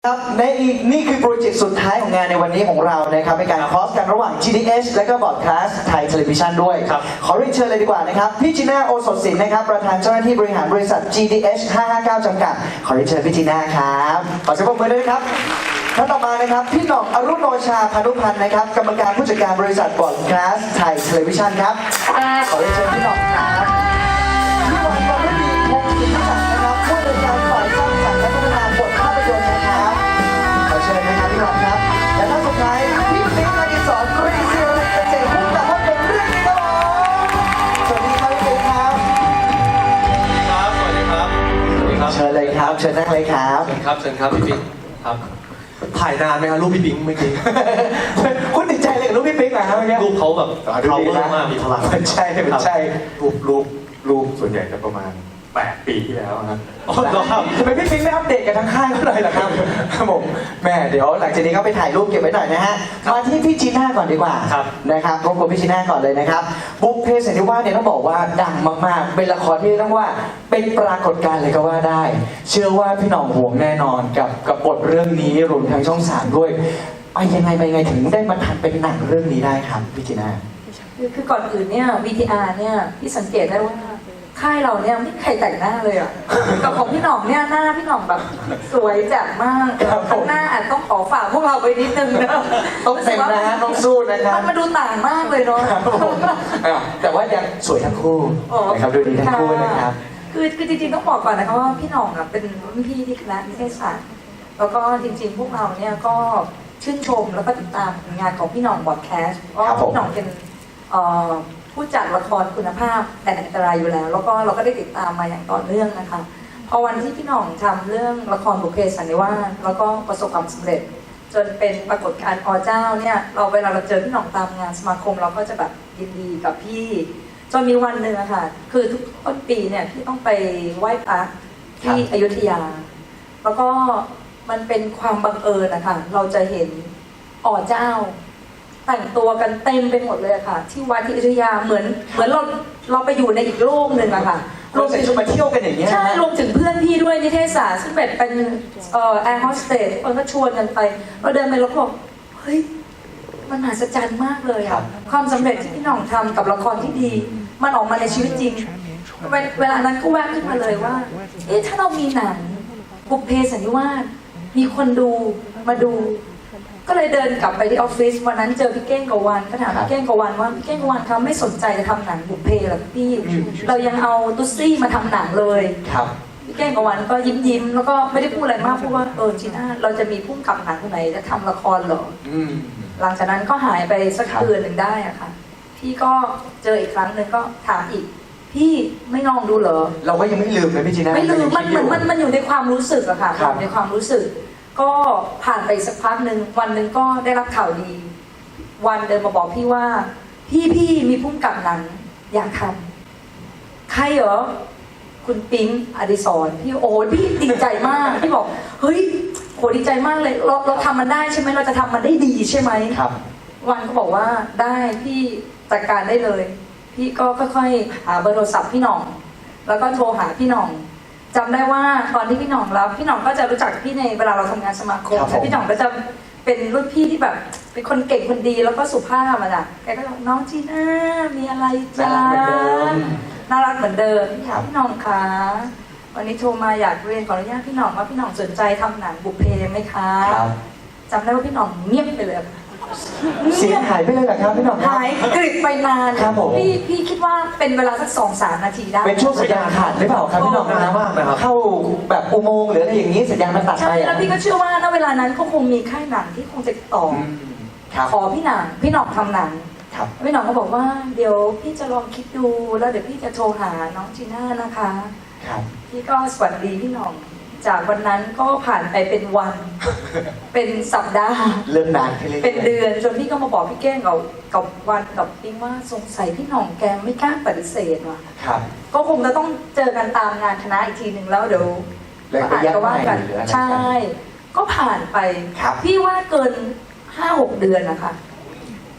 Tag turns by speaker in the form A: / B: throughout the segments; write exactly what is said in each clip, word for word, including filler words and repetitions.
A: ครับในนี่คือโปรเจกต์สุดท้ายของงานในวันนี้ของเรานะครับเป็นการคอสกันระหว่าง จี ดี เอส และก็บอร์ดคาสต์ไทยเทเลวิชันด้วยขอเรียนเชิญเลยดีกว่านะครับพี่จีน่าโอสถศิลป์นะครับประธานเจ้าหน้าที่บริหารบริษัท จี ดี เอส ห้าห้าเก้า จำกัดขอเรียนเชิญพี่จีน่าครับขอเสียงปรบมือด้วยครับท่านต่อมานะครับพี่หน่องอรุณโนชาพานุพันธ์นะครับกรรมการผู้จัดการบริษัทบอร์ดคาสต์ไทยเทเลวิชันครับขอเรียนเชิญพี่หน่องครับพี่วันวรรดีพงศ์สินศักดิ์นะครับผู้จัดการฝ่ายสร้างสรรค์และพัฒนาบทภาพยนตร์นะครับขอเชิญนะครับพี่หน่องครับและท่านสุดท้ายพี่ปิ๊กอดิศรกรีศิริเกษตรผู้กำกับภาพยนตร์เรื่องนี้ครับสวัสดีครับพี่ปิ๊กครับ
B: ครับสวัสดีครับสวัสดีครับ
A: เชิญเลยครับเชิญนั่งเลยครับ
B: เชิญครับเชิญครับพี่ปิ๊กครับถ่ายนานไหมครับรูปพี่ปิ๊กเมื่อกี้
A: คุณติดใจเลยกับรูปพี่ปิ๊กเหรอครับเมื่อกี้
B: รูปเขาแบบเขาเวอร์มากมีพลัง
A: ใช่ไม่ใช่
C: รูปรูปรูปส่วนใหญ่จะประมาณแปดปีที่แล้วครับ
A: อ๋อเหรอครับทำไมพี่ปิ๊กไม่อัปเดตกันทั้งค่ายเขาเลยล่ะครับครับผมแม่เดี๋ยวหลังจากนี้ก็ไปถ่ายรูปเก็บไว้หน่อยนะฮะมาที่พี่จีน่าก่อนดีกว่านะครับรบกวนพี่จีน่าก่อนเลยนะครับบุพเพสันนิวาสเนี่ยต้องบอกว่าดังมากๆเป็นละครที่ต้องว่าเป็นปรากฏการณ์เลยก็ว่าได้เชื่อว่าพี่หน่องห่วงแน่นอนกับกับบทเรื่องนี้รวมทั้งช่องสามด้วยไปยังไงไปยังไงถึงได้มาทำเป็นหนังเรื่องนี้ได้ครับพี่จีน่า
D: คือคือก่อนอื่นเนี่ย วี ที อาร์ เนี่ยพี่สังเกตได้ว่าค่ายเราเนี่ยไม่ใครแต่งหน้าเลยอ่ะกับของพี่หน่องเนี่ยหน้าพี่หน่องแบบสวยแจ่มมากข้างหน้าอาจต้องขอฝากพวกเราไปนิดนึงนะ
A: ต้องเต็มนะต้องสู้นะครับ
D: มันมาดูต่างมากเลยเนาะ
A: แต่ว่ายังสวยทั้งคู่นะครับดูดีทั้งคู่นะครับ
D: คือคือจริงๆต้องบอกก่อนนะคะว่าพี่หน่องอ่ะเป็นรุ่นพี่ที่คณะนิเทศศาสตร์แล้วก็จริงๆพวกเราเนี่ยก็ชื่นชมแล้วก็ติดตามงานของพี่หน่องบอดแคสต์เพราะพี่หน่องเป็นผู้จัดละครคุณภาพแต่อันตรายอยู่แล้วแล้วก็เราก็ได้ติดตามมาอย่างต่อเนื่องนะคะพอวันที่พี่หน่องทำเรื่องละครบุพเพสันนิวาสแล้วก็ประสบความสำเร็จจนเป็นปรากฏการณ์อเจ้าเนี่ยเราเวลาเราเจอพี่หน่องตามงานสมาคมเราก็จะแบบยินดีกับพี่จนมีวันหนึ่งอะค่ะคือทุกต้นปีเนี่ยพี่ต้องไปไหว้พระที่อยุธยาแล้วก็มันเป็นความบังเอิญนะคะเราจะเห็นอเจ้าแต่งตัวกันเต็มไปหมดเลยค่ะที่วัดที่อยุธยาเหมือนเหมือนเราเราไปอยู่ในอีกโลกหนึ่งอะค่ะ
A: รวมถึงมาเที่ยวกันอย่างเงี้ย
D: ใช่รวมถึงเพื่อนพี่ด้วยนิเทศศาสตร์ซึ่งเป็นเป็นเอ่อแอร์โฮสเตสคนก็ชวนกันไปเราเดินไปแล้วก็บอกเฮ้ยมันมหัศจรรย์มากเลยอะความสำเร็จที่พี่หน่องทำกับละครที่ดีมันออกมาในชีวิตจริงเวลานั้นก็แวบขึ้นมาเลยว่าเอ๊ะถ้าเรามีหนังบุพเพสันนิวาสมีคนดูมาดูก็เลยเดินกลับไปที่ออฟฟิศวันนั้นเจอพี่เก้งกวันก็ถามพี่เก้งกวันว่าพี่เก้งกวันเขาไม่สนใจจะทำหนังบุพเพหรอพี่เรายังเอาตุ๊ซี่มาทำหนังเลย
A: ครับ
D: พี่เก้งกวันก็ยิ้มยิ้มแล้วก็ไม่ได้พูดอะไรมากพูดว่าเออจีน่าเราจะมีผู้กำกับหนังคนไหนจะทำละครเหรอหลังจากนั้นก็หายไปสักเดือนหนึ่งได้อะค่ะพี่ก็เจออีกครั้งหนึ่งก็ถามอีกพี่ไม่ลองดูเหรอ
A: เราก็ยังไม่ลืมเลยพี่จีน่า
D: ไม่ลืมมันมันมันมันอยู่ในความรู้สึกอะค่ะในความรู้สึกก็ผ่านไปสักพักหนึ่งวันหนึ่งก็ได้รับข่าวดีวันเดินมาบอกพี่ว่าพี่พี่มีพุ่มกับหนังอยากทำใครเหรอคุณปิ๊งอดิศรพี่โอ้พี่ดีใจมากพี่บอกเฮ้ยโหดีใจมากเลยเราเราทำมันได้ใช่ไหมเราจะทำมันได้ดีใช่ไหม
A: ครับ
D: วันก็บอกว่าได้พี่จัดการได้เลยพี่ก็ค่อยๆหาเบอร์โทรศัพท์พี่หน่องแล้วก็โทรหาพี่หน่องจำได้ว่าตอนที่พี่หน่องรับพี่หน่องก็จะรู้จักพี่ในเวลาเราทำงานสมาคมแล้วพี่หน่องก็จะเป็นรุ่นพี่ที่แบบเป็นคนเก่งคนดีแล้วก็สุภาพอะจ้ะแกก็บอกน้องจีน่ามีอะไรจ้าน่ารักเหมือนเดิมพี่หน่องคะวันนี้โทรมาอยากเรียนขออนุญาตพี่หน่องว่าพี่หน่องสนใจทำหนังบุพเพไหมคะจำได้ว่าพี่หน่องเงียบไปเลย
A: เสียงหายไปเลยเหรอครับพี่หน่อง
D: หายกริบไปนาน
A: ครับผม
D: พี่พี่คิดว่าเป็นเวลาสักสองสามนาทีได้
A: เป็นช่วงสัญญาณขาดหรือเปล่าครับพี่หน่องนะว่าเข้าแบบอุโมงค์หรืออะไรอย่างนี้สัญญาณมันตัดไป
D: ใช่แล้วพี่ก็เชื่อว่าณเวลานั้นก็คงมีค่ายหนังที่คงจะต่อขอพี่หนังพี่หน่องทำหนังพี่หน่องก็บอกว่าเดี๋ยวพี่จะลองคิดดูแล้วเดี๋ยวพี่จะโทรหาน้องจีน่านะคะพี่ก็สวัสดีพี่หน่องจากวันนั้นก็ผ่านไปเป็นวันเป็นสัปดาห์
A: เริ่มนานขึ้นเลย
D: เป็นเดือนจนพี่ก็มาบอกพี่แก้งกับกับวันกับปิ๊งว่าสงสัยพี่หน่องแกไม่กล้าปฏิเสธว่ะ
A: ครับ
D: ก็คงจะต้องเจอกันตามงานคณะอีกทีหนึ่งแล้วเดี๋ยว
A: อาจ
D: จะว่ากันใช่ก็ผ่านไปพี่ว่าเกินห้าหกเดือนนะคะฮะ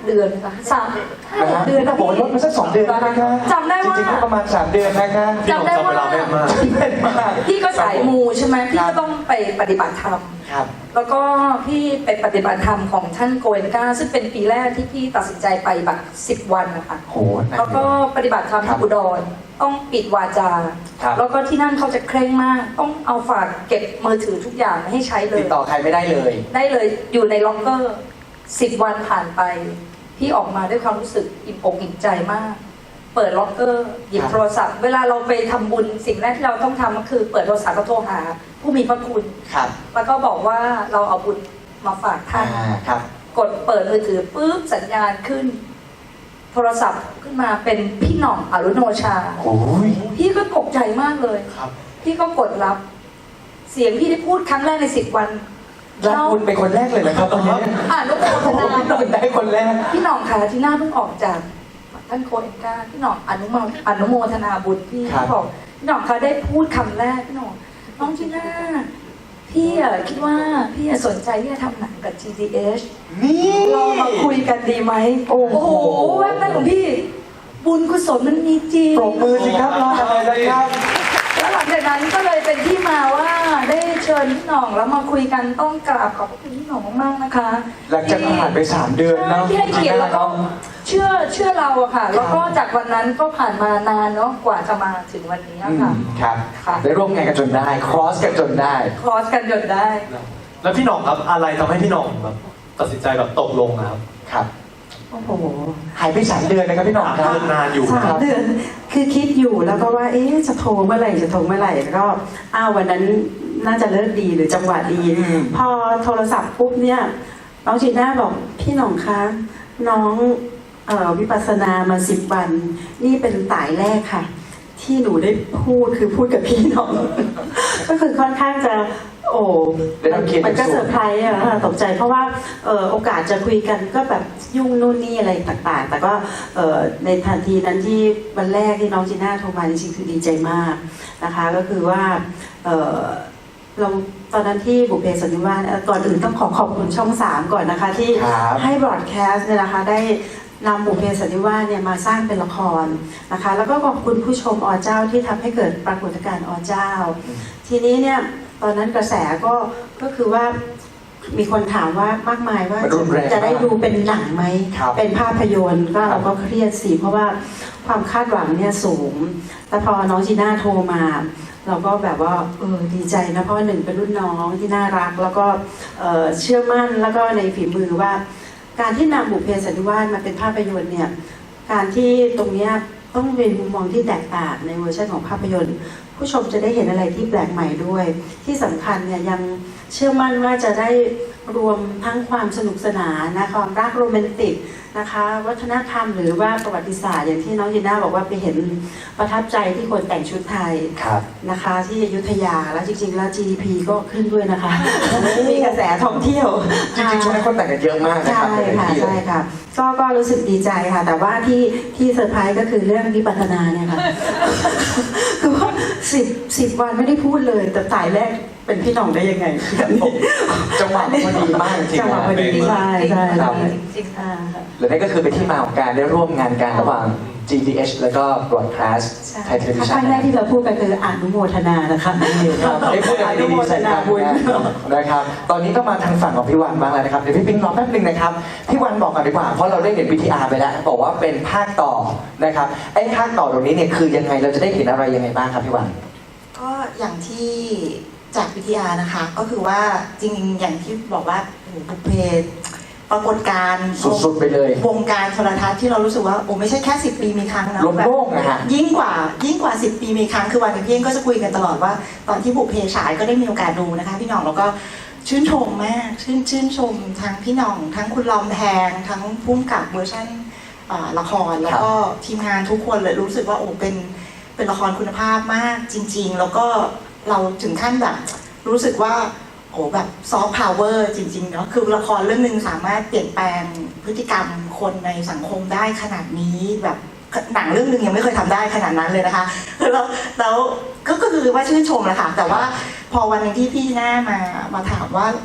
D: เดือนนะคะสามห้า
A: นะ
D: ห
A: ฮะ
D: กเดือน
A: ถ้าบอกว่าลดมาสักสองเดือนนะคะ
D: จำได้ว่า
A: จริงๆก็ประมาณสามเดือนนะคะ
B: พี่หน่องจำเวลาแม่นมาก
A: เป็นมาก
D: พี่ก็สายมูใช่ไหมพี่
A: ครั
D: ก็
A: บ
D: ต้องไปปฏิบัติธรรม
A: ครับ
D: แล้วก็พี่ไปปฏิบัติธรรมของท่านโกเอนกาซึ่งเป็นปีแรกที่พี่ตัดสินใจไปแบบสิบวันนะคะ
A: โหนะ
D: แล้วก็ปฏิบัติธรรม
A: ครั
D: ที่
A: บ
D: อุดรต้องปิดวาจา
A: ครับ
D: แล้วก็ที่นั่นเขาจะเคร่งมาก ต้องเอาฝากเก็บมือถือทุกอย่างไม่ให้ใช้เล
A: ติ
D: ย
A: ดต่อใครไม่ได้เลย
D: ได้เลยอยู่ในล็อกเกอร์สิบวันผ่านไป พี่ออกมาด้วยความรู้สึกอิ่มอกอิ่มใจมาก เปิดล็อกเกอร์หยิบ
A: ครับ
D: โทรศัพท์ เวลาเราไปทำบุญสิ่งแรกที่เราต้องทำก็คือเปิดโทรศัพท์แล้วโทรหา ผู้มีพระคุณ
A: ครับ
D: แล้วก็บอกว่าเราเอาบุญมาฝากท่าน
A: อ่าครับ
D: กดเปิดมือถือปุ๊บสัญญาณขึ้น โทรศัพท์ขึ้นมาเป็นพี่หน่องอรุโนชา
A: โอ้ย
D: พี่ก็ตกใจมากเลย
A: ครับ
D: พี่ก็กดรับ เสียงพี่ได้พูดครั้งแรกในสิบวัน
A: รับคุณเป็นคนแรกเลยนะครับวันนี้
D: อ่านโมทนา
A: พี่หน่อยได้คนแรก
D: พี่หน่องค่ะที่หน้าเพิ่งออกจากท่านโคเอนกาพี่หน่องอนุโมอนุโมทนาบุญพี่
A: ครับ
D: บอกพี่หน่องคะได้พูดคำแรกพี่หน่องน้องจีน่าพี่อะคิดว่าพี่อะสนใจที่จะทำหนังกับ จี ดี เอช
A: นี่
D: เรามาคุยกันดีไหมโอ้โหแวบแรกของพี่ บุญกุศลมันมีจริง
A: ปรบมือสิครับรออะไรนะครับ
D: แล้วหลังจากนั้นก็เลยเป็นที่มาว่าได้เชิญพี่หน่องแล้วมาคุยกันต้องกราบขอบพระคุณพี่หน่องมากๆนะคะ
A: หลังจากผ่านไปสามเดือนเนาะ
D: ที่ให้เกียรติแล้วก็เชื่อเชื่อเราอะค่ะ แล้วก็จากวันนั้นก็ผ่านมานานเนาะกว่าจะมาถึงวันนี้
A: อื
D: อะค่ะ
A: มครับ
D: ค่ะ
A: ได้ร่วมงานกันจนได้ ครอสกันจนได้
D: คอสกันจนได้
B: แล้วพี่หน่องครับอะไรทำให้พี่หน่องแบบตัดสินใจแบบตกลงนะครับ
A: ครับ
E: โอ้โห
A: หายไปสามเดือนนะครับพี่หน่องครับ
B: เดินนานอยู่
E: สา
B: ค
E: ม
B: รับ
E: เดือนคือคิดอยู่แล้วก็ว่า เอ๊ะจะโทรเมื่อไหร่จะโทรเมื่อไหร่แล้วก็อ้าววันนั้นน่าจะเลิกดีหรือจังหวะดี
A: อืม
E: พอโทรศัพท์ปุ๊บเนี่ยน้องจีน่าบอกพี่หน่องคะน้องเอ่อวิปัสสนามาสิบวัน นี่เป็นสายแรกค่ะ ที่หนูได้พูดคือพูดกับพี่หน่อง ก็คือค่อนข้างจะ โอ้
A: ได้รับเกียรติ
E: มันก็
A: สูง
E: เซอร์ไพรส์อะค่ะตกใจเพราะว่าเอ่อโอกาสจะคุยกันก็แบบยุ่งนู่นนี่อะไรต่างๆ แต่ก็เอ่อในทันทีนั้นที่วันแรกที่น้องจีน่าโทรมาจริงๆคือดีใจมากนะคะ ก็คือว่าเอ่อเราตอนนั้นที่บุพเพสันนิวาสเอ่อก่อนอื่นต้องขอขอบคุณช่องสามก่อนนะคะ ที่
A: ครับ
E: ให้บรอดแคสต์เนี่ยนะคะได้นำบุพเพสันนิวาสเนี่ยมาสร้างเป็นละครนะคะ แล้วก็ขอบคุณผู้ชมอเจ้าที่ทำให้เกิดปรากฏการณ์อเจ้า ทีนี้เนี่ยตอนนั้นกระแสก็ก็คือว่ามีคนถามว่ามากมายว่า
A: มันรุนแรง
E: จะได้ดูเป็นหนังไหม
A: ครับ
E: เป็นภาพยนตร์ก็
A: ครับ
E: เราก็เครียดสิเพราะว่าความคาดหวังเนี่ยสูงแต่พอน้องจีน่าโทรมา เราก็แบบว่าเออดีใจนะเพราะว่าหนึ่งเป็นรุ่นน้องที่น่ารัก แล้วก็เอ่อเชื่อมั่นแล้วก็ในฝีมือว่า การที่นำบุพเพสันนิวาสมาเป็นภาพยนตร์เนี่ยการที่ตรงเนี้ยต้องเป็นมุมมองที่แตกต่างในเวอร์ชันของภาพยนตร์ ผู้ชมจะได้เห็นอะไรที่แปลกใหม่ด้วย ที่สำคัญเนี่ยยังเชื่อมั่นว่าจะได้รวมทั้งความสนุกสนานนะความรักโรแมนติกนะคะ วัฒนธรรมหรือว่าประวัติศาสตร์อย่างที่น้องยีน่าบอกว่าไปเห็นประทับใจที่คนแต่งชุดไทย
A: ครับ
E: นะคะที่อยุธยาแล้วจริงๆแล้ว จี ดี พี ก็ขึ้นด้วยนะคะ มีกระแสท่องเที่ยว
A: จริงๆช่วงนี้คนแต่งกันเยอะมากนะค
E: ใช่
A: รับใน
E: ค่ะ
A: ที่เล
E: ใช่
A: ย
E: ค่ะก็ก็รู้สึกดีใจค่ะ แต่ว่าที่ที่เซอร์ไพรส์ก็คือเรื่องวิปัสสนาเนี่ยค่ะ คือว่าสิบสิบวันไม่ได้พูดเลย แต่สายแรกเป็นพี่หน่องได้ยังไงแบบนี้
A: จังหวะพอดีมากจริงๆ
E: จังหวะพอดี
A: นะ
E: ใช่ใช่
A: ครั
E: ใช่
A: บ
D: จริง
E: อ่า
A: และนั่นก็คือเป็นที่มาของการได้ร่วมงานกันระหว่าง จี ดี เอช แล้วก็ Broadcast
E: ใช่
A: ไทยทีวี
E: ค
A: ชั่
E: รั้
A: น
E: งแรกที่เราพูดกันคืออนุโมทนานะคะ
A: นี่ครับได้พูดอะไรดีๆใส่กัน
E: บุญ
A: นะครับ ตอนนี้ก็มาทางฝั่งของพี่วันบ้างแล้วนะครับ เดี๋ยวพี่ปิ๊งรอแป๊บนึงนะครับ พี่วันบอกก่อนดีกว่า เพราะเราได้เห็น วี ที อาร์ ไปแล้ว บอกว่าเป็นภาคต่อนะครับ ไอ้ภาคต่อตรงนี้เนี่ยคือยังไง เราจะได้เห็นอะไรยังไงบ้างครับพี่วัน
F: ก็อย่างที่จากวิทยานะคะ ก็คือว่าจริงๆอย่างที่บอกว่าโอ้โหบุพเพปรากฏการณ์
A: สุดๆไปเลย
F: วงการโทรทัศน์ที่เรารู้สึกว่าโอ้ไม่ใช่แค่สิบปีมีครั้งนะ
A: ล้มโลกนะฮะ
F: ยิ่งกว่ายิ่งกว่าสิบปีมีครั้งคือวันกับพี่เองก็จะคุยกันตลอดว่า ตอนที่บุพเพฉายก็ได้มีโอกาสดูนะคะพี่หน่องแล้วก็ชื่นชมมากชื่นชื่นชมทั้งพี่หน่อง ทั้งคุณลอมแพงทั้งพุ่มกับเวอร์ชันอ่าละครแล้วก็ทีมงานทุกคนเลยรู้สึกว่าโอ้เป็นเป็นละครคุณภาพมากจริง ๆ แล้วก็เราถึงขั้นแบบรู้สึกว่าโอ้แบบซอฟต์พาวเวอร์จริงๆเนาะคือละครเรื่องหนึ่งสามารถเปลี่ยนแปลงพฤติกรรมคนในสังคมได้ขนาดนี้แบบหนังเรื่องหนึ่งยังไม่เคยทำได้ขนาดนั้นเลยนะคะแล้วแล้วก็ก็คือว่าชื่นชมแหละค่ะแต่ว่าพอวันหนึงที่พี่หน้ามามาถามว่าเอ๊ะ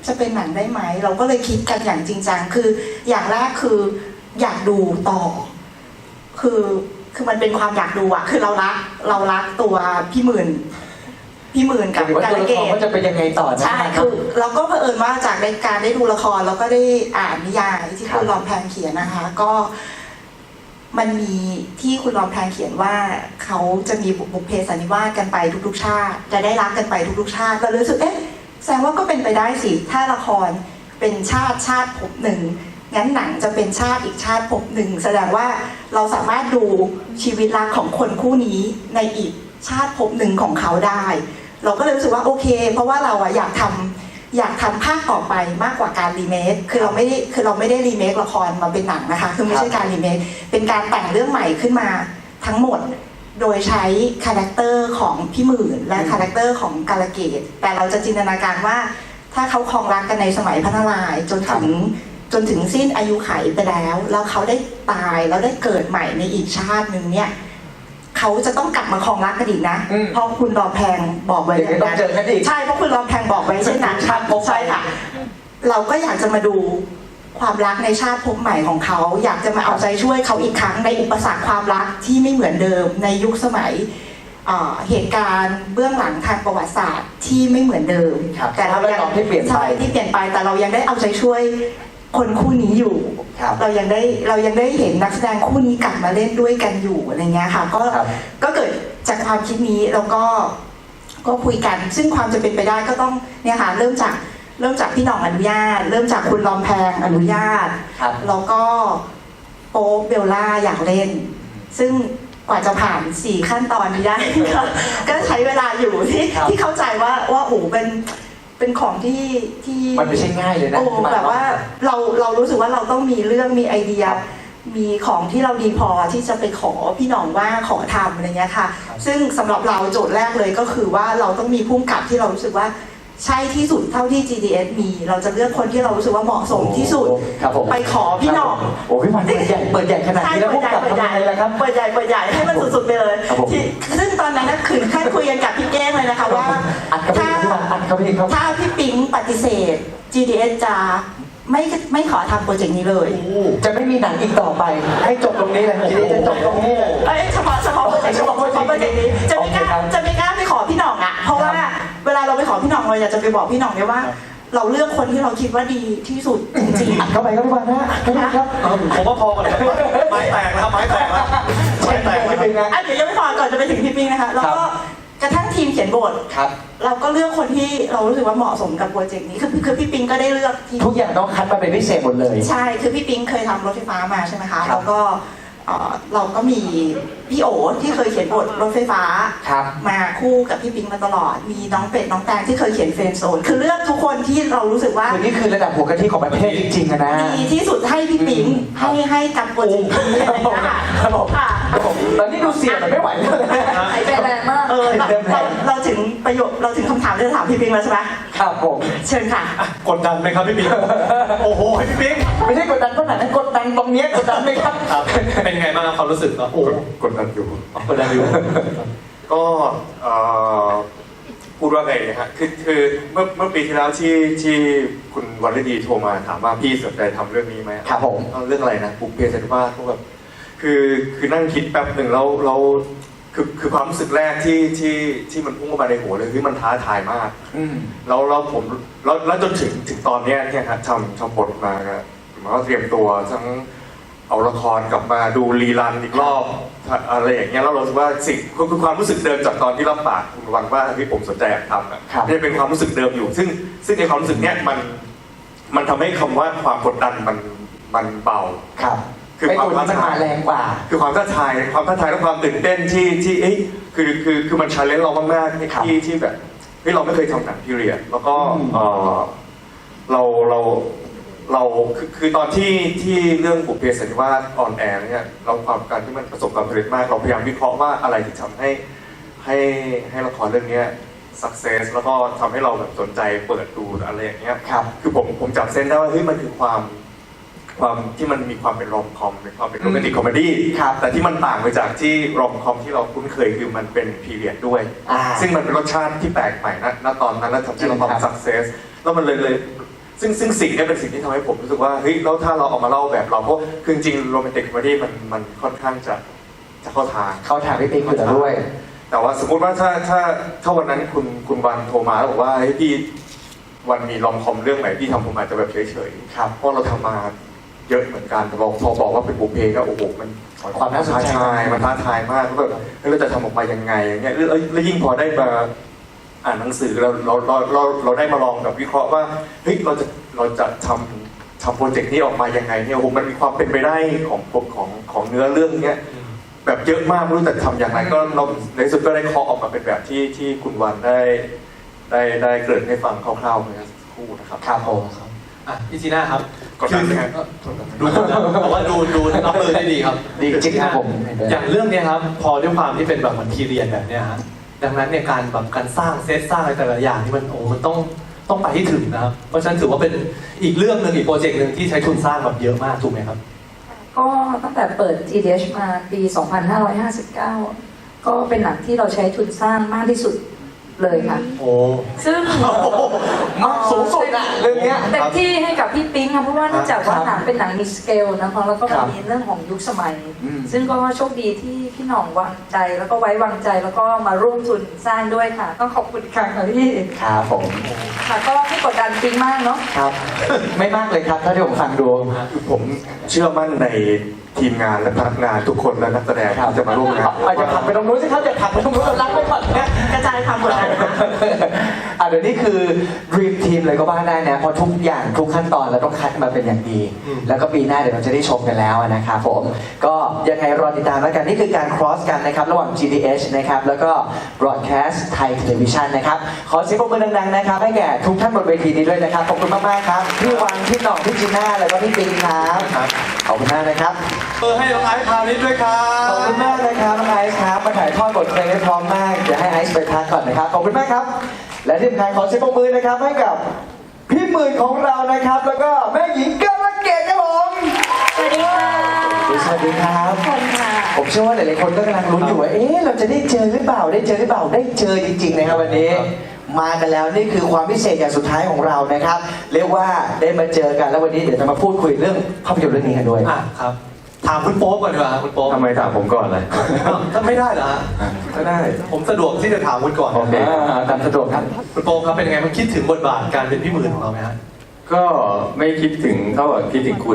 F: จะเป็นหนังได้ไหมเราก็เลยคิดกันอย่างจริงจังคืออย่างแรกคืออยากดูต่อ คือคือมันเป็นความอยากดูอะคือเรารักเรารักตัวพี่หมื่นพี่หมื่นกับ
A: หรือว่า
F: การ
A: ตัวละ
F: เก
A: คร
F: ต
A: ว่าจะเป็นยังไงต่อนะ
F: ใช่
A: ครั
F: คื
A: บ
F: อเราก็เผอิญว่าจากในการได้ดูละครแล้วก็ได้อ่านนิยายที่
A: ครับ
F: คุณรอมแพงเขียนนะคะ ก็มันมีที่คุณรอมแพงเขียนว่าเขาจะมีบุพเพสันนิวาสกันไปทุกๆชาติจะได้รักกันไปทุกๆชาติเราเลยรู้สึกเอ๊ะแสดงว่าก็เป็นไปได้สิถ้าละครเป็นชาติชาติภพหนึ่งงั้นหนังจะเป็นชาติอีกชาติภพหนึ่งแสดงว่าเราสามารถดูชีวิตรักของคนคู่นี้ในอีกชาติภพหนึ่งของเขาได้ เราก็เลยรู้สึกว่าโอเค เพราะว่าเราอะอยากทำอยากทำภาคต่อไปมากกว่าการรีเมคคือเราไม่ได้คือเราไม่ได้รีเมคละครมาเป็นหนังนะคะคือไม่ใช่การรีเมคเป็นการแต่งเรื่องใหม่ขึ้นมาทั้งหมด โดยใช้คาแรคเตอร์ของพี่หมื่นและคาแรคเตอร์ของกาลเกตแต่เราจะจินตนาการว่าถ้าเขาครองรักกันในสมัยพระนารายณ์จนถึงจนถึงสิ้นอายุไขไปแล้วแล้วเขาได้ตายแล้วได้เกิดใหม่ในอีกชาติหนึ่งเนี่ยเขาจะต้องกลับมาครองรักกันอีกนะ
A: อืม
F: เพราะคุณรอแพงบอกไว้
A: เดี๋ยวต้องเจอกันอีก
F: ใช่เพราะคุณรอแพงบอกไว้เช่นนั้น
A: ชาติภพ
F: ใช่ค่ะ เราก็อยากจะมาดูความรักในชาติภพใหม่ของเขา อยากจะมาเอาใจช่วยเขาอีกครั้งในอุปสรรคความรักที่ไม่เหมือนเดิมในยุคสมัยเอ่อเหตุการณ์เบื้องหลังทางประวัติศาสตร์ที่ไม่เหมือนเดิม
A: ครับ
F: แต่เรายัง
A: สภาพแวดล้อมที่เปลี่ยนไป
F: ใช่ที่เปลี่ยนไปแต่เรายังได้เอาใจช่วยคนคู่นี้อยู่
A: ครับ
F: เรายังได้เรายังได้เห็นนักแสดงคู่นี้กลับมาเล่นด้วยกันอยู่อะไรเงี้ยค่ะก็
A: ครับ
F: ก็เกิดจากความคิดนี้แล้วก็ก็คุยกัน ซึ่งความจะเป็นไปได้ก็ต้องเนี่ยค่ะเริ่มจากเริ่มจากพี่หน่องอนุญาต เริ่มจากคุณลอมแพงอนุญาต
A: ครับ
F: แล้วก็โป๊ปเบลล่าอยากเล่น ซึ่งกว่าจะผ่านสี่ขั้นตอนนี้ได้ ก็ก็ใช้เวลาอยู่ที่
A: ครับ
F: ที่เข้าใจว่าว่าโอ้โหเป็นเป็นของที่ที่
A: มันไม่ใช่ง่ายเลยนะ
F: โอ้แบบว่าเราเรารู้สึกว่าเราต้องมีเรื่องมีไอเดีย มีของที่เราดีพอที่จะไปขอพี่หน่องว่าขอทำอะไรเงี้ยค่ะ ซึ่งสำหรับเราโจทย์แรกเลยก็คือว่าเราต้องมีผู้กำกับที่เรารู้สึกว่าใช่ที่สุดเท่าที่ จี ดี เอส มี เราจะเลือกคนที่เรารู้สึกว่าเหมาะสมที่สุด
A: ครับผม
F: ไปขอพี่หน่อง
A: โอ้พี่วันเปิดใหญ่เปิดใหญ่ขนาด
F: ใช่
A: นี้แล้ว
F: เปิ
A: พว
F: ด
A: ก
F: ใหญ่
A: กับ
F: เปิด
A: ทำ
F: ให
A: ยั
F: ญ่
A: งไงล่ะครับ
F: เปิดใหญ่เปิดใหญ่ให้มันสุดๆไปเลย
A: ครับผม
F: ที่ซึ่งตอนนั้นนะคืนขั้นคุยกันกับพี่แก้งเลยนะคะว่า
A: อัดเข้าไปอีกพี่วันอัดเข้าไปอีกครับ
F: ถ้าพี่ปิ๊งปฏิเสธ จี ดี เอส จะไม่ไม่ขอทำโปรเจกต์นี้เลย
A: จะไม่มีหนังอีกต่อไป ให้จบตรงนี้เลยทีนี้จะจบตรงนี้เลย
F: เอ้ยเฉพาะเฉพาะโปรเจกต์เฉพาะโปรเจกต์นี้จะไม่กล้า
A: โอเคครับ
F: จะไม่กล้าไปขอพี่หน่องอ่ะเพราะว่าเวลาเราไปขอพี่หน่องเราอยากจะไปบอกพี่หน่องเนี่ยว่า เราเลือกคนที่เราคิดว่าดีที่สุดจริง
A: อัดเข้าไปครับพี่วันนะอัดเข้าไปครับ
B: ผมว่าพอกันครับไม้แตกนะครับไม้แตกแล้วไม้แตกแล้ว
A: ไม่เป็นไง
F: ๆอ่ะเดี๋ยวยังไม่พอก่อนจะไปถึงพี่ปิ๊งนะคะแล้วก็กระทั่งทีมเขียนบท
A: ครับ
F: เราก็เลือกคนที่เรารู้สึกว่าเหมาะสมกับโปรเจกต์นี้คือคือพี่ปิ๊งก็ได้เลือกทีม
A: ทุกอย่างต้องคัดมาเป็นพิเศษหมดเลย
F: ใช่ คือพี่ปิ๊งเคยทำรถไฟฟ้ามาใช่ไหมคะ
A: ครับ
F: แล้วก็เอ่อเราก็มีพี่โอที่เคยเขียนบทรถไฟฟ้า
A: ครับ
F: มาคู่กับพี่ปิ๊งมาตลอด มีน้องเป็ดน้องแตงที่เคยเขียนเฟรนด์โซน คือเลือกทุกคนที่เรารู้สึกว่า
A: คือนี่คือระดับหัวกะทิของประเทศจริงๆอะนะ
F: ดีที่สุดให้พี่ปิ๊ง
A: อืม
F: ให้ให้กับโปรเจกต์นี้อะไรอย่างเงี้ยค่ะ
A: ครับผม
F: ค่ะ
A: ครับผมตอนนี้ดูเสียงมันไม่ไหวเลยนะ
D: หายใจแรงมาก
F: เออเราเราเราถึงประโยคเราถึงคำถามที่จะถามพี่ปิ๊งแล้วใช่ไหม
A: ครับผม
F: เชิญค่ะ
B: กดดันไหมครับพี่ปิ๊งโอ้โหพี่ปิ๊ง
A: ไม่ใช่กดดันขนาดนั้นกดดันตรงเนี้ยกดดันไหมครับ
B: ครับเป็นไงบ้างครับความรู้สึกครับโอ้
C: กดดันอยู่
B: กดดันอยู่
C: ก็เอ่อพูดว่าไงนะฮะคือคือเมื่อเมื่อปีที่แล้วที่ที่คุณวรรดีโทรมาถามว่าพี่สนใจทำเรื่องนี้ไหม
A: ครับผม
C: เอาเรื่องอะไรนะบุกเพสันนิวาสก็แบบคือคือนั่งคิดแป๊บหนึ่งแล้วเราคือคือความรู้สึกแรกที่ที่ที่มันพุ่งเข้ามาในหัวเลยคือมันท้าทายมาก
A: อืม
C: แล้วแล้วผมแล้วแล้วจนถึงถึงตอนเนี้ยเนี่ยครับทำทำบทมาก็หมายว่าเตรียมตัวทั้งเอาละครกลับมาดูรีรันอีกรอบอะไรอย่างเงี้ยแล้วเราคิดว่าสิ่งคือคือความรู้สึกเดิมจากตอนที่รับปากคุณวันว่าที่ผมสนใจอยากทำอ่ะ
A: ครับ
C: เนี่ยเป็นความรู้สึกเดิมอยู่ ซึ่งซึ่งในความรู้สึกเนี้ยมันมันทำให้คำว่าความกดดันมันมันเบา
A: ครับ
C: คือ
A: ไอ้
C: ความ
A: ตัวนี้มันมาแรงกว่า
C: คือความท้าทายความท้าทายและความตื่นเต้นที่ที่เอ้ยคือคือคือมันชาเลนจ์เรามากๆที่
A: ครับ
C: ที่ที่แบบเฮ้ยเราไม่เคยทำหนังพีเรียดแล้วก็
A: อืม
C: เออเราเราเราคือคือตอนที่ที่เรื่องบุพเพสันนิวาสออนแอร์เนี่ยเราความการที่มันประสบความสำเร็จมากเราพยายามวิเคราะห์ว่าอะไรที่ทำให้ให้ให้ละครเรื่องเนี้ย success แล้วก็ทำให้เราแบบสนใจเปิดดูอะไรอย่างเงี้ย
A: ครับ
C: คือผมผมจับเส้นได้ว่าเฮ้ยมันคือความความที่มันมีความเป็นรอมคอมมีความเป็นโรแมนติกคอมเมดี้
A: ครับ
C: แต่ที่มันต่างไปจากที่รอมคอมที่เราคุ้นเคยคือมันเป็นพีเรียดด้วย
A: อ่า
C: ซึ่งมันเป็นรสชาติที่แปลกใหม่นะณตอนนั้นแล้วทำให้เรา
A: จริงครับ
C: ทำสักเซสแล้วมันเลยเลยซึ่งซึ่งสิ่งเนี้เป็นสิ่งที่ทำให้ผมรู้สึกว่าเฮ้ยแล้วถ้าเราเอามาเล่าแบบเราเพราะคือจริงโรแมนติกคอมเมดี้มันมันค่อนข้างจะจะเข้าทาง
A: เข้าทางพี่ปิ๊กอยู่แล้วด้วย
C: แต่ว่าสมมุติว่าถ้าถ้าถ้าวันนั้นคุณคุณวันโทรมาแล้วบอกว่าเฮ้ยพี่วันมีลอมคอมเรื่องไหนพี่ทำผมอาจจะแบบเฉยๆครับเพราะเราทำมาเยอะเหมือนกันแต่พอพอบอกว่าเป็นบุพเพก็โอ้โหมัน
A: ความน่าสนใจ
C: ท้าทายมันท้าทายมากแล้วแบบเฮ้ยเราจะทำออกมายังไงอย่างเงี้ยแล้วแล้วยิ่งพอได้มาอ่านหนังสือเราเราเราเราเราได้มาลองแบบวิเคราะห์ว่าเฮ้ยเราจะเราจะทำทำโปรเจกต์นี้ออกมายังไงเนี่ยโอ้โหมันมีความเป็นไปได้ของของของเนื้อเรื่องเนี้ยแบบเยอะมากไม่รู้จะทำอย่างไรก็เราในที่สุดก็ได้เคาะออกมาเป็นแบบที่ที่คุณวันได้ได้ได้เกริ่นให้ฟังคร่าวๆเมื่อสักครู่นะครับ
A: ครับผม
B: อ่ะพี่จีน่าครับ
C: กดดันไหมครับ
B: ดูกดดันแต่ว่าดูดูรับมือได้ดีครับ
A: ดีจริงครับผม
B: อย่างเรื่องเนี้ยครับพอด้วยความที่เป็นแบบเหมือนพีเรียนแบบเนี้ยฮะดังนั้นเนี่ยการแบบการสร้างเซตสร้างอะไรแต่ละอย่างนี่มันโอ้มันต้องต้องไปให้ถึงนะครับเพราะฉะนั้นถือว่าเป็นอีกเรื่องหนึ่งอีกโปรเจกต์หนึ่งที่ใช้ทุนสร้างแบบเยอะมากถูกไหมครับ
D: ก็ตั้งแต่เปิด จี ดี เอช มาปี สองพันห้าร้อยห้าสิบเก้า ก็เป็นหนังที่เราใช้ทุนสร้างมากที่สุดเลยค่ะ
B: โอ้
D: ซึ่ง
A: มากสูงสุดอะเรื่องเนี้ย
D: เต็มที่ให้กับพี่ปิ๊งค่ะเพราะว่าเนื่องจากว่าหนังเป็นหนังมีสเกลนะคะแล้วก็
A: ครับ
D: มีเรื่องของยุคสมัย
A: อืม
D: ซึ่งก็โชคดีที่พี่หน่องวางใจแล้วก็ไว้วางใจแล้วก็มาร่วมทุนสร้างด้วยค่ะ ต้องขอบคุณอีกครั้งค่ะพี่
A: ครับผม
D: ค่ะก็ไม่กดดันปิ๊งมากเนาะ
A: ครับ ไม่มากเลยครับถ้าที่ผมฟังดู
C: ผมเชื่อมั่นในทีมงานและพนักงานทุกคนและนักแสดง
A: ครับ
C: ที่จะมาร่วมงาน
A: อาจจะผลักไปตรงนู้นสิครับอย่าผลักไปตรงนู้นเรารักไปก่อนนะ
F: กระจายความกดดันค่ะ
A: อ่ะเดี๋ยวนี้คือ dream team เลยก็ว่าได้นะเพราะทุกอย่างทุกขั้นตอนเราต้องคัดมาเป็นอย่างดี
B: อืม
A: แล้วก็ปีหน้าเดี๋ยวเราจะได้ชมกันแล้วนะครับผมก็ยังไงรอติดตามแล้วกันนี่คือการ cross กันนะครับระหว่าง จี ดี เอช นะครับแล้วก็ broadcast Thai Television นะครับขอเสียงปรบมือดังๆนะครับให้แก่ทุกท่านบนเวทีนี้ด้วยนะครับขอบคุณมากๆครับพี่วังพี่หน่องพี่จีน่าแล้วก็พี่ปิงครับขอบคุณมากนะครับ
B: เออให้น้องไอซ์คราวนี้ด้วยครั
A: ขอบคุณมากนะครับน้องไอซ์ครับมาถ่ายทอดบทเพลงได้พร้อมมากเดี๋ยวให้ไอซ์ไปพักก่อนนะครับขอบคุณมากครับ และที่สำคัญขอเสียงปรบมือนะครับให้กับพี่หมื่นของเรานะครับ แล้วก็แม่หญิงกรเกตครับผม
D: สวัสดีค่ะ
A: สวัสดีครับ
D: ขอบคุณค่ะ
A: ผมเชื่อว่าหลายๆคนก็กำลังลุ้นอยู่ว่าเอ๊ะเราจะได้เจอหรือเปล่าได้เจอหรือเปล่าได้เจอจริงๆนะครับวันนี้ มากันแล้วนี่คือความพิเศษอย่างสุดท้ายของเรานะครับ เรียกว่าได้มาเจอกันแล้ววันนี้เดี๋ยวจะมาพูดคุยเรื่องภาพยนตร์เรื่องนี้กันด้วย
B: อ่ะครับถามคุณโป๊ปก่อนดีกว่าครับคุณโป๊ป
C: ทำไมถามผมก่อนเลย
B: อ้าวถ้าไม่ได้เหรอฮะ
C: ก็ได้
B: ผมสะดวกที่จะถามคุณก่อน
C: โอเค
A: อ่าตามสะดวกครับ
B: คุณโป๊ปครับเป็นยังไงมันคิดถึงบทบาทการเป็นพี่หมื่นของเราไหมฮะ
G: ก็ไม่คิดถึงเท่ากับคิดถึงคุณ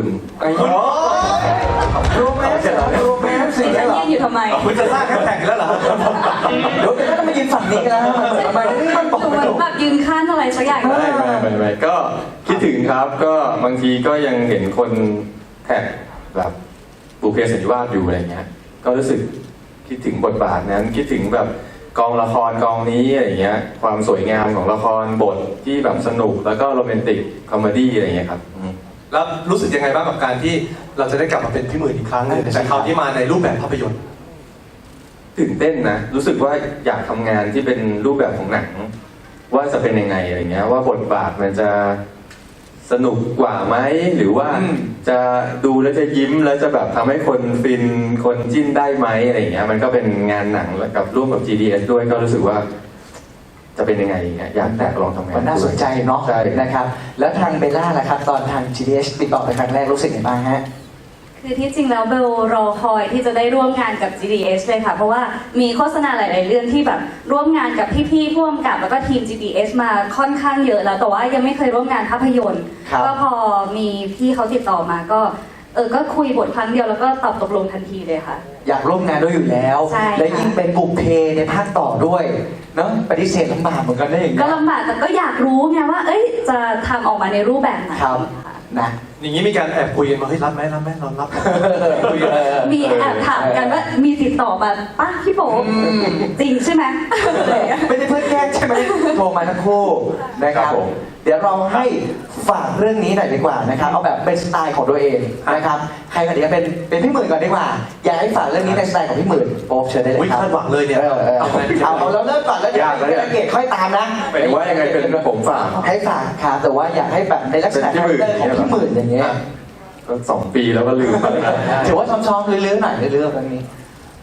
A: รู้ไหมรู้ไหมสิ่ง
D: ฉั
A: นี้
D: น
A: เหรอ
D: ยืนอยู่ทำไม
B: คุณจะสร้างแฮชแท็กอีกแล้วเหรอ
A: เดี๋ยวก็ต้องมายืนฝั่งนี้กันแล้วทำไมมันบอก
D: ดู
A: ไม่
D: เหมือน
A: ถูก
D: แบบยืนข้างอะไรสักอย่าง
G: ไม่ไม่ไม่ไม่ก็คิดถึงครับ ก็บางทีก็ยังเห็นคนแท็กแบบบุพเพสันนิวาสอยู่อะไรเงี้ย ก็รู้สึกคิดถึงบทบาทนั้น คิดถึงแบบกองละครกองนี้อะไรเงี้ย ความสวยงามของละครบทที่แบบสนุกแล้วก็โรแมนติกคอมเมดี้อะไรเงี้ยครับอืม
B: แล้วรู้สึกยังไงบ้างกับการที่เราจะได้กลับมาเป็นพี่หมื่นอีกครั้งหนึงแต่คราวที่มาในรูปแบบภาพยนตร์
G: ตื่นเต้นนะ รู้สึกว่าอยากทำงานที่เป็นรูปแบบของหนัง ว่าจะเป็นยังไงอะไรเงี้ย ว่าบทบาทมันจะสนุกกว่าไหมหรือว่า
A: อืม
G: จะดูแล้วจะยิ้มแล้วจะแบบทำให้คนฟินคนจิ้นได้ไหมอะไรเงี้ย มันก็เป็นงานหนังแล้วกับร่วมกับ จี ดี เอส ด้วยก็รู้สึกว่า จะเป็นยังไงเงี้ยอยากแตกลองทำงาน
A: มันน่าสนใจเนาะ
G: ใช่
A: นะครับ แล้วทางเบลล่าล่ะครับ ตอนทาง จี ดี เอช ติดต่อไปครั้งแรกรู้สึกยังไงบ้างฮะ
H: คือที่จริงแล้วเบลรอคอยที่จะได้ร่วมงานกับ จี ดี เอส เลยค่ะ เพราะว่ามีโฆษณาหลาย ๆ เรื่องที่แบบร่วมงานกับพี่ๆผู้กำกับแล้วก็ทีม จี ดี เอส มาค่อนข้างเยอะแล้วแต่ว่ายังไม่เคยร่วมงานภาพยนตร์
A: ครับ
H: ก็พอมีพี่เขาติดต่อมาก็เออก็คุยบทครั้งเดียวแล้วก็ตอบตกลงทันทีเลยค่ะ
A: อยากร่วมงานด้วยอยู่แล้ว
H: ใช่ค่ะ
A: และยิ่งเป็นบุพเพในภาคต่อด้วยเนาะปฏิเสธลำบากเหมือนกันได้อย่าง
H: ก็
A: เงี้ย
H: ลำบากแต่ก็อยากรู้ไงว่า เอ้ยจะทำออกมาในรูปแบบไหน
A: ครับ
H: ค่ะ
A: นะ
B: อย่างนี้มีการแอบคุยกันมาเฮ้ยรับไหมรับไหมเรารับคุยกัน
H: มีแอบถามกันว่ามีติดต่อมาป้าพี่โป๊ปจริงใช่ไหม
A: ไม่ได้เพื่อนแกล้งใช่ไหมโทรมาทั้งคู่นะครับ
G: ครับผม
A: เดี๋ยวเราให้ฝากเรื่องนี้หน่อยดีกว่านะครับเอาแบบเป็นสไตล์ของตัวเองนะครับใครก่อนดีเป็นเป็นพี่หมื่นก่อนดีกว่า อยากให้ฝากเรื่องนี้ในสไตล์ของพี่หมื่นโป๊ปเชิญได้เลย
B: อุ๊ย
A: ครับ
B: คาดหวังเลยเนี่ย
A: ออออ
B: เอา
A: เอา
B: ไง
A: เอาเอาเราเริ่มก่อนแล้วเดี๋ยวย
G: ากแล้วเนี่ย
A: เกตค่อยตามนะ
G: หมายถึงว่ายังไงเป็นผมฝาก
A: ให้ฝากครับแต่ว่าอยากให้แบบในลักษณะ
G: เป็นพี่หมื่น
A: คาแรคเตอร์ของพี่หมื่นอย่างเงี้ย
G: ก็สองปีแล้วก็ลืมไปแล้ว
A: ถือว่าชอมๆเลื้อยๆหน่อยเลื้อยๆแบบนี้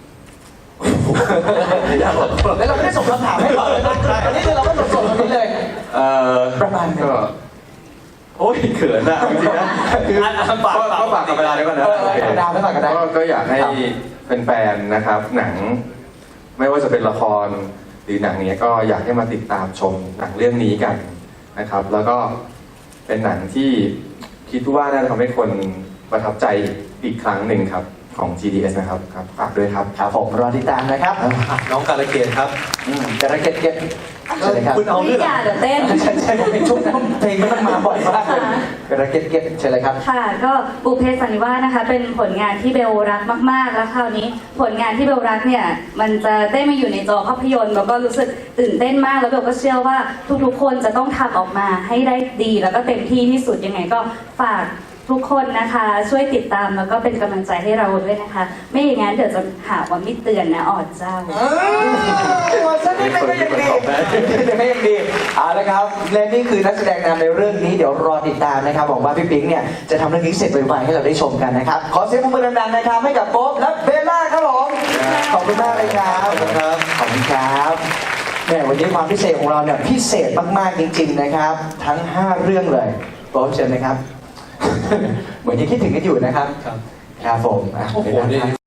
A: แล้วเราไม่ได้ส่งคำถามให้ก่อนเลยนะอันนี้คือเราก็สดๆตรงนี้เลย
G: เออ
A: ประมาณไหน
G: ก็ผโอ้ยเขินอะจริงๆนะคือ
B: อ่ะอ่ะฝาก
G: ก็
B: ฝาก
G: ก็ฝากกับเวลาด้วยกันนะ
A: เออเออฝากดาวไว้ฝากกันได้
G: ก็ก็อยากให้แฟนๆนะครับ หนังไม่ว่าจะเป็นละครหรือหนังเนี้ยก็อยากให้มาติดตามชมหนังเรื่องนี้กันนะครับ แล้วก็เป็นหนังที่คิดว่าน่าจะทำให้คนประทับใจอีกครั้งหนึ่งครับของ จี ดี เอส นะครับครับฝากด้วยครับ
A: ครับผมรอติดตามนะครับ
B: อ่ะน้องการะเกดครับ
A: อืมกระเก็ดเก็ตเชิญเลยครับ
B: คุณเอา
H: ไม่
B: เรื่อง
H: อยากเดี๋ยวเต้น
A: ใช่ใช่ผมเป็นชุดเพลงมันมาบ่อยมากเลยกระเก็ดเก็ตเชิญเลยครับ
H: ค่ะก็บุพเพสันนิวาสนะคะเป็นผลงานที่เบลรักมาก ๆ แล้วคราวนี้ผลงานที่เบลรักเนี่ยมันจะได้มาอยู่ในจอภาพยนตร์แล้วก็รู้สึกตื่นเต้นมากแล้วเบลก็เชื่อว่าทุกๆ คนจะต้องทำออกมาให้ได้ดีแล้วก็เต็มที่ที่สุดยังไงก็ฝากทุกคนนะคะช่วยติดตามแล้วก็เป็นกำลังใจให้เราด้วยนะคะ ไม่อย่างนั้นเดี๋ยวจะหาว่าไม่เตือนนะออดเจ้า
A: วันสักนิดนึงก็ยังดีไม่ยังดีเอาละครับและนี่คือนักแสดงนำในเรื่องนี้เดี๋ยวรอติดตามนะครับหวังว่าพี่ปิ๊งเนี่ยจะทำเรื่องนี้เสร็จไวๆให้เราได้ชมกันนะครับขอเสียงปรบมือดังๆนะครับให้กับโป๊ปและเบลล่าครับผมขอบคุณมากเลยครับ
B: ขอบคุณครับ
A: ขอบคุณครับแหมวันนี้ความพิเศษของเราเนี่ยพิเศษมากๆจริง ๆนะครับ ทั้งห้าเรื่องเลยโป๊ปเชิญนะครับ เหมือนยังคิดถึงกันอยู่นะครับ
B: ครับ
A: ครับผมอ่ะ
B: โอ้โห
A: เบลล่า
B: นี่
A: ครับ